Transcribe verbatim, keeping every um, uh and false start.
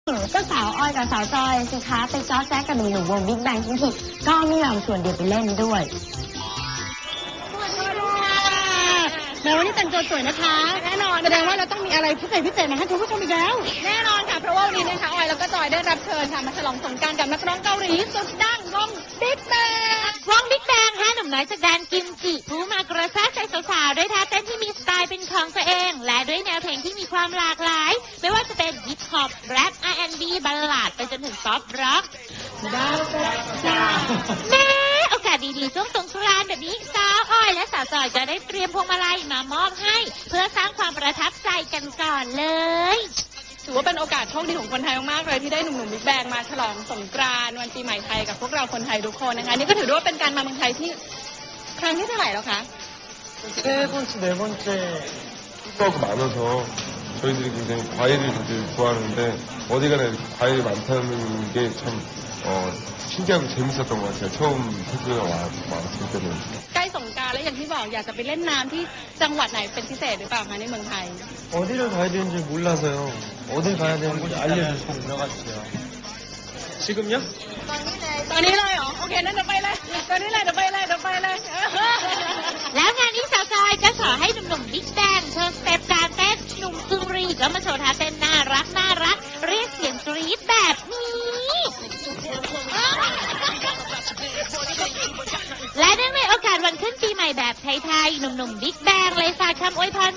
ก็สาวออยกับสาวจอยสิคะไปจ้อแจ๊กกับหนุ่มๆวงบิ๊กแบงทั้งทีก็ไม่ยอมชวนเดียวไปเล่นด้วยแม้วันนี้แต่งตัวสวยนะคะแน่นอนแสดงว่าเราต้องมีอะไรพิเศษพิเศษมาให้คุณผู้ชมอีกแล้วแน่นอนค่ะเพราะว่าวันนี้นะคะออยแล้วก็จอยได้รับเชิญค่ะมาฉลองสงกรานต์กับนักร้องเกาหลีสุดดังวงบิ๊กแบงวงบิ๊กแบงห้าหนุ่มน้อยจากแดนกิมจิผู้มากระแสใจสาวๆด้วยท่าเต้นที่มีสไตล์เป็นของตัวเองและด้วยแนวเพลงที่มีความหลากหลายไม่ว่าจะเป็นฮิปฮอปแรป อาร์ แอนด์ บี บัลลาดไปจนถึงป๊อปร็อกแม่โอกาสดีๆช่วงสงกรานต์แบบนี้สาวอ้อยและสาวจอยจะได้เตรียมพวงมาลัยมามอบให้เพื่อสร้างความประทับใจกันก่อนเลยถือว่าเป็นโอกาสโชคดีของคนไทยมากๆเลยที่ได้หนุ่มๆบิ๊กแบงมาฉลองสงกรานต์วันปีใหม่ไทยกับพวกเราคนไทยทุกคนนะคะนี่ก็ถือว่าเป็นการมาเมืองไทยที่ครั้งที่เท่าไหร่แล้วคะ 세 번째, 네 번째. 숙소가 많아서 저희들이 굉장히 과일을 다들 좋아하는데 어디 가나 이렇게 과일이 많다는 게 참 어, 신기하고 재밌었던 것 같아요. 처음 태국에 왔을 때는. ใกล้สงกรานต์แล้วอย่างที่บอกอยากจะไปเล่นน้ำที่จังหวัดไหนเป็นพิเศษหรือเปล่าคะในเมืองไทย 어디를 가야 되는지 몰라서요. 어딜 가야 되는지 알려주시면 들어가주세요. 지금요? ตอนนี้เลยเหรอโอเคนั่นเดี๋ยวไปเลยตอนนี้เลยเดี๋ยวไปเลยเดี๋ยวไปเลยแล้วงานนี้สาวจอยก็ขอให้หนุ่มๆบิ๊กแบงโชว์สเต็ปการเต้นหนุ่มซึงรีก็มาโชว์ท่าเต้นน่ารักน่ารักเรียกเสียงกรี๊ดแบบนี้และเนื่องในโอกาสวันขึ้นปีใหม่แบบไทยๆหนุ่มๆบิ๊กแบงเลยฝากคำอวยพร